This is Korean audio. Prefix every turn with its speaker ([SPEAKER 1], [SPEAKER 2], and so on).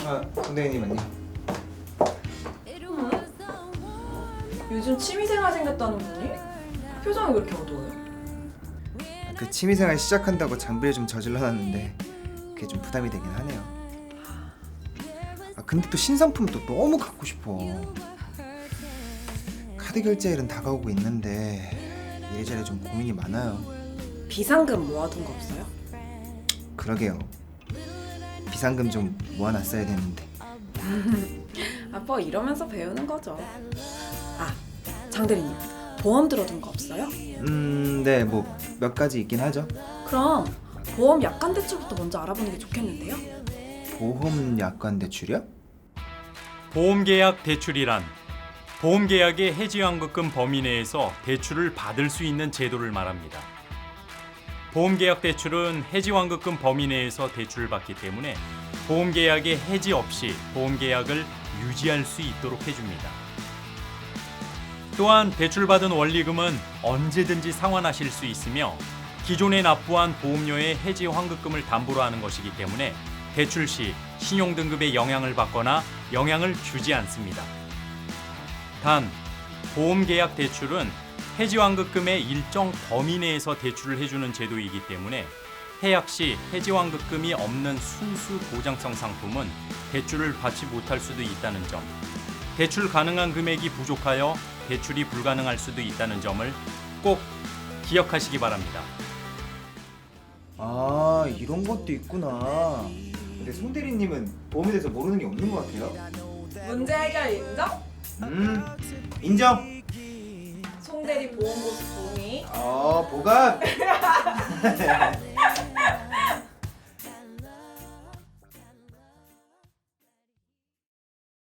[SPEAKER 1] 선생님 안녕.
[SPEAKER 2] 요즘 취미생활 생겼다는 분이? 표정이 왜 이렇게 어두워요?
[SPEAKER 1] 그 취미생활 시작한다고 장비를 좀 저질러놨는데 그게 좀 부담이 되긴 하네요. 근데 또 신상품도 너무 갖고 싶어. 카드 결제일은 다가오고 있는데 이래저래 좀 고민이 많아요.
[SPEAKER 2] 비상금 모아둔 거 없어요?
[SPEAKER 1] 그러게요. 비상금 좀 모아놨어야 되는데.
[SPEAKER 2] 뭐 이러면서 배우는 거죠. 장 대리님, 보험 들어둔 거 없어요?
[SPEAKER 1] 네, 뭐 몇 가지 있긴 하죠.
[SPEAKER 2] 그럼 보험 약관 대출부터 먼저 알아보는 게 좋겠는데요?
[SPEAKER 1] 보험 약관 대출이요?
[SPEAKER 3] 보험계약 대출이란 보험계약의 해지환급금 범위 내에서 대출을 받을 수 있는 제도를 말합니다. 보험계약 대출은 해지환급금 범위 내에서 대출을 받기 때문에 보험계약의 해지 없이 보험계약을 유지할 수 있도록 해줍니다. 또한 대출받은 원리금은 언제든지 상환하실 수 있으며 기존에 납부한 보험료의 해지 환급금을 담보로 하는 것이기 때문에 대출 시 신용등급에 영향을 받거나 영향을 주지 않습니다. 단, 보험계약 대출은 해지환급금의 일정 범위 내에서 대출을 해주는 제도이기 때문에 해약 시 해지환급금이 없는 순수 보장성 상품은 대출을 받지 못할 수도 있다는 점, 대출 가능한 금액이 부족하여 대출이 불가능할 수도 있다는 점을 꼭 기억하시기 바랍니다.
[SPEAKER 1] 이런 것도 있구나. 근데 송 대리님은 보험에 대해서 모르는 게 없는 것 같아요.
[SPEAKER 2] 문제 해결 인정?
[SPEAKER 1] 인정.
[SPEAKER 2] 송 대리 보험 보수 동의.
[SPEAKER 1] 보감.